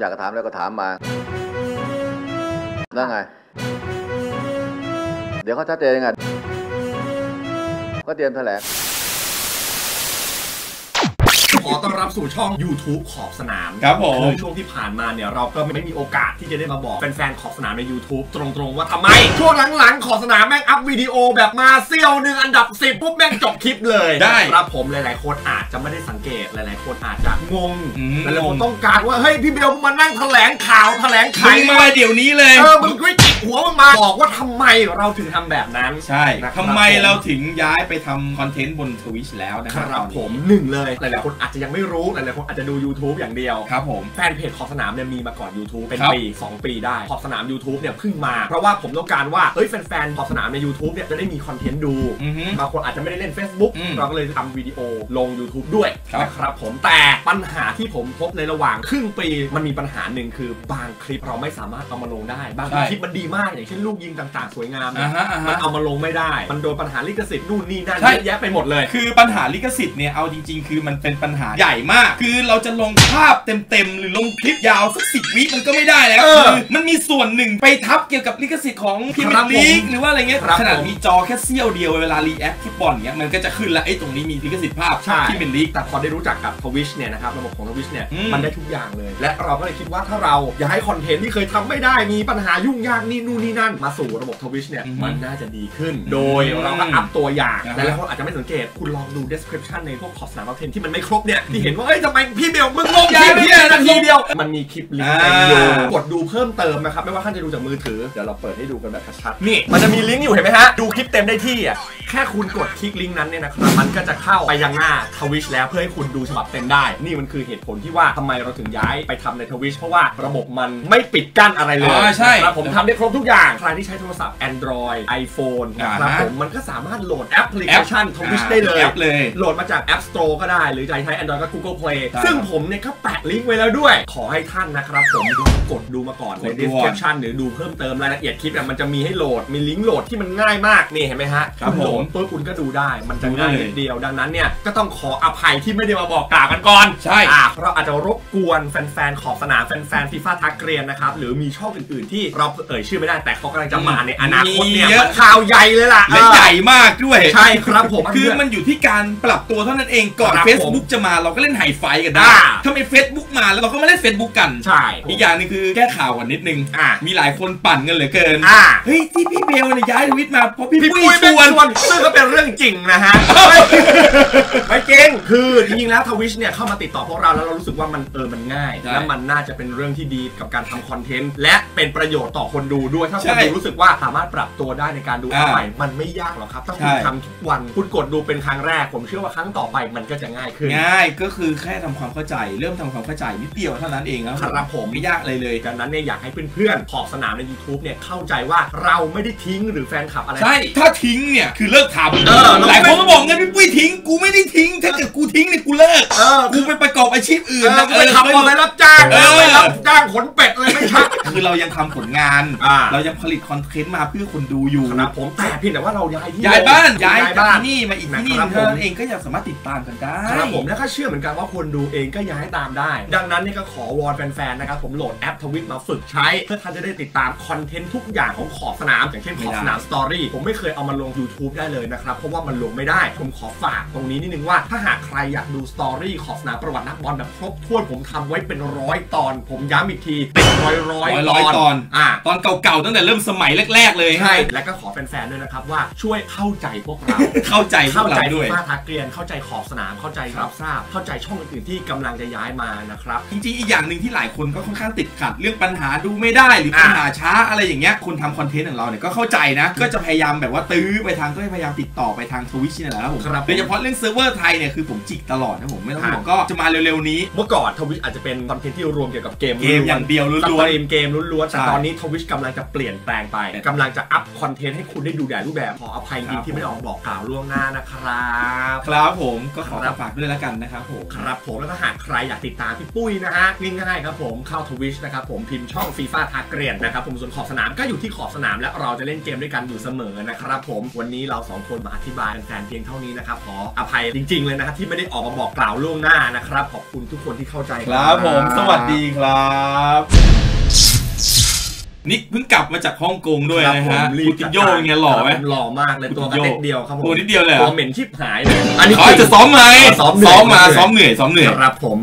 อยากจะถามแล้วก็ถามมาแล้วไงเดี๋ยวเขาชัดเจนยังไงก็เตรียมแถลงขอต้อนรับสู่ช่อง YouTube ขอบสนามครับผมคือช่วงที่ผ่านมาเนี่ยเราก็ไม่มีโอกาสที่จะได้มาบอกแฟนๆขอบสนามใน YouTube ตรงๆว่าทำไมช่วงหลังๆขอบสนามแม่งอัพวิดีโอแบบมาเซี่ยวหนึ่งอันดับ10ปุ๊บแม่งจบคลิปเลยได้ครับผมหลายๆคนอาจจะไม่ได้สังเกตหลายๆคนอาจจะงงหลายๆคนต้องการว่าเฮ้ยพี่เบลมานั่งแถลงข่าวแถลงไขมาเดี๋ยวนี้เลยมึงจิกหัวมึงมาบอกว่าทำไมเราถึงทำแบบนั้นใช่ทำไมเราถึงย้ายไปทำคอนเทนต์บน Twitch แล้วนะครับผมหนึ่งเลยหลายๆคนอาจจะยังไม่รู้หลายๆคนอาจจะดู YouTube อย่างเดียวครับผมแฟนเพจขอบสนามเนี่ยมีมาก่อน YouTube เป็นปี2 ปีได้ขอบสนาม YouTube เนี่ยเพิ่งมาเพราะว่าผมต้องการว่าเฮ้ยแฟนๆขอบสนามใน YouTube เนี่ยจะได้มีคอนเทนต์ดูบางคนอาจจะไม่ได้เล่น Facebook เราก็เลยทำวิดีโอลง YouTube ด้วยนะครับผมแต่ปัญหาที่ผมพบในระหว่างครึ่งปีมันมีปัญหาหนึ่งคือบางคลิปเราไม่สามารถเอามาลงได้บางคลิปมันดีมากอย่างเช่นลูกยิงต่างๆสวยงามมันเอามาลงไม่ได้มันโดนปัญหาลิขสิทธิ์นู่นนี่นั่นเยอะแยะไปหมดเลยคือปัญหาลิขสิทธิ์เนี่ยเอาจริงๆคือมันเป็นปัญหาใหญ่มากคือเราจะลงภาพเต็มๆหรือลงคลิปยาวสัก10 วิมันก็ไม่ได้แล้วคือมันมีส่วนหนึ่งไปทับเกี่ยวกับลิขสิทธิ์ของพรีเมียร์ลีกหรือว่าอะไรเงี้ยขนาดมีจอแค่เสี้ยวเดียวเวลารีแอคที่บอลเงี้ยมันก็จะขึ้นแล้วไอ้ตรงนี้มีลิขสิทธิ์ภาพที่เป็นลีกแต่พอได้รู้จักกับ Twitch เนี่ยนะครับระบบของ Twitch เนี่ยมันได้ทุกอย่างเลยและเราก็เลยคิดว่าถ้าเราอยากให้คอนเทนต์ที่เคยทำไม่ได้มีปัญหายุ่งยากนี่นู่นนี่นั่นมาสู่ระบบ Twitch เนี่ยมันน่าจะดีขึ้นโดยเราก็อัพตัวอย่างหลายๆคนอาจจะไม่สังเกตคุณลองดู description ในพวกขอบสนามคอนเทนต์ที่มันไม่ครบเนี่ยที่เห็นว่าเอ้ยทำไมพี่เบลมึงลงคลิปเนี่ยนาทีเดียวมันมีคลิปลิงก์อยู่กดดูเพิ่มเติมนะครับไม่ว่าท่านจะดูจากมือถือเดี๋ยวเราเปิดให้ดูกันแบบชัดๆนี่มันจะมีลิงก์อยู่เห็นไหมฮะดูคลิปเต็มได้ที่อ่ะแค่คุณกดคลิกลิงก์นั้นเนี่ยนะครับมันก็จะเข้าไปยังหน้า Twitch แล้วเพื่อให้คุณดูฉบับเต็มได้นี่มันคือเหตุผลที่ว่าทำไมเราถึงย้ายไปทำใน Twitch เพราะว่าระบบมันไม่ปิดกั้นอะไรเลยใช่ผมทำได้ครบทุกอย่างใครที่ใช้โทรศัพท์ Android iPhone นะครับผมมันก็สามารถโหลดแอปพลิเคชัน Twitch ได้เลยโหลดมาจาก App Store ก็ได้หรือใช้ Android ก็ Google Play ซึ่งผมเนี่ยก็แปะลิงก์ไว้แล้วด้วยขอให้ท่านนะครับผมกดดูมาก่อนใน description หรือดูเพิ่มเติมรายละเอียดคลิปมันจะมีให้โหลดมีลิงก์โหลดที่มันง่ายมากนี่เห็นไหมฮะครับผมปุ๊บคุณก็ดูได้มันจะง่ายนิดเดียวดังนั้นเนี่ยก็ต้องขออภัยที่ไม่ได้มาบอกกล่าวกันก่อนใช่เราอาจจะรบกวนแฟนๆขอบสนามแฟนๆฟีฟ่าทักเกรียนนะครับหรือมีช่องอื่นๆที่เราชื่อไม่ได้แต่เขากำลังจะมาในอนาคตเนี่ยมันข่าวใหญ่เลยล่ะและใหญ่มากด้วยใช่ครับผมคือมันอยู่ที่การปรับตัวเท่านั้นเองก่อน Facebook จะมาเราก็เล่นไฮไฟกันได้ถ้าไม่ Facebook มาแล้วเราก็มาเล่น Facebook กันใช่อีกอย่างนึงคือแก้ข่าวกันนิดนึงมีหลายคนปั่นกันเหลือเกินเฮ้ยที่พี่เบลเนี่ยย้ายทวิตมาเพราะพี่ปุ้ยชวนซึ่งก็เป็นเรื่องจริงนะฮะไม่เก่งคือจริงๆแล้ว Twitch เนี่ยเข้ามาติดต่อพวกเราแล้วเรารู้สึกว่ามันง่ายและมันน่าจะเป็นเรื่องที่ดีกับการทำคอนเทนต์และเป็นประโยชน์ต่อคนดูด้วยถ้าคนดูรู้สึกว่าสามารถปรับตัวได้ในการดูอันใหม่มันไม่ยากหรอกครับถ้าคุณทำทุกวันคุณกดดูเป็นครั้งแรกผมเชื่อว่าครั้งต่อไปมันก็จะง่ายขึ้นง่ายก็คือแค่ทำความเข้าใจเริ่มทำความเข้าใจนิดเดียวเท่านั้นเองครับผมไม่ยากเลยดังนั้นเนี่ยอยากให้เพื่อนๆขอบสนามใน YouTube เนี่ยเข้าใจว่าเราไม่ได้ทิ้งหรือแฟนคลับอะไรใช่ถ้าทิ้งเนี่ยคือเลิกทำหลายคนก็บอกงั้นพี่ปุ้ยทิ้งกูไม่ได้ทิ้งถ้าเกิดกูทิ้งเนี่ยกูเลิกกูไปประกอบอาชีพอื่นไปทำอะไรรับจ้างไปรับจ้างขนเป็ดอะไรไม่ใช่คือเรายังทำผลงานเรายังผลิตคอนเทนต์มาเพื่อคนดูอยู่ครับผมแต่เพียงแต่ว่าเราย้ายที่บ้านย้ายที่นี่มาอีกที่นี่เท่านั้นเองก็ยังสามารถติดตามกันได้ครับผมและก็เชื่อเหมือนกันว่าคนดูเองก็ย้ายตามได้ดังนั้นนี่ก็ขอวอนแฟนๆนะครับผมโหลดแอปทวิตมาฝึกใช้เพื่อท่านจะได้ติดตามคอนเทนต์ทุกอย่างของขอบสนามอย่างเช่นขอบสนามสตอรี่ผมไม่เคยเอามาลง YouTube ได้เลยนะครับเพราะว่ามันลงไม่ได้ผมขอฝากตรงนี้นิดนึงว่าถ้าหากใครอยากดูสตอรี่ขอบสนามประวัตินักบอลแบบครบถ้วนผมทำไว้เป็น100 ตอนผมย้ำอีกทีเป็นร้อยตอนตอนเก่าๆตั้งแต่เริ่มสมัยแรกๆเลยใช่และก็ขอแฟนๆด้วยนะครับว่าช่วยเข้าใจพวกเราเข้าใจด้วยฟ้าทักเกรียนเข้าใจขอบสนามเข้าใจรับทราบเข้าใจช่องอื่นๆที่กำลังจะย้ายมานะครับจริงๆอีกอย่างหนึ่งที่หลายคนก็ค่อนข้างติดขัดเรื่องปัญหาดูไม่ได้หรือปัญหาช้าอะไรอย่างเงี้ยคนทำคอนเทนต์ของเราเนี่ยก็เข้าใจนะก็จะพยายามแบบว่าตื้อไปทางก็พยายามติดต่อไปทาง Twitch นี่แหละครับผมโดยเฉพาะเรื่องเซิร์ฟเวอร์ไทยเนี่ยคือผมจิกตลอดนะผมไม่ต้องห่วงก็จะมาเร็วๆนี้เมื่อก่อน Twitch อาจจะเป็นคอนเทนต์ที่รวมเกี่ยวกับเกมอย่างเดียวล้วนๆเกมล้วนๆแต่ตอนนี้ Twitch กำลังจะเปลี่ยนแปลงไปกำลังจะอัพคอนเทนต์ให้คุณได้ดูหลายรูปแบบขออภัยจริงที่ไม่ได้ออกบอกกล่าวล่วงหน้านะครับครับผมก็ขอฝากด้วยแล้วกันนะครับผมครับผมแล้วก็หากใครอยากติดตามพี่ปุ้ยนะฮะง่ายๆครับผมเข้า Twitch นะครับผมพิมพ์ช่องฟีฟ่าทักเกรียนนะครับผมส่วนขอบสนามก็อยู่ที่ขอบสนามและเราจะเล่นเกมด้วยกันอยู่เสมอนะครับผมวันนี้เรา 2 คนมาอธิบายแฟนๆเพียงเท่านี้นะครับขออภัยจริงๆเลยนะครับที่ไม่ได้ออกมาบอกกล่าวล่วงหน้านะครับขอบคุณทุกคนที่เข้าใจครับผมสวัสดีครับนิกเพิ่งกลับมาจากฮ่องกงด้วยนะฮะคูตินโญ่ไงหล่อไหมหล่อมากเลยตัวกระเด็กเดียวครับผมตัวนิดเดียวเลยตัวเหม็นชิบหายเลยอันนี้เขาจะซ้อมไหมซ้อมเหนื่อยครับผม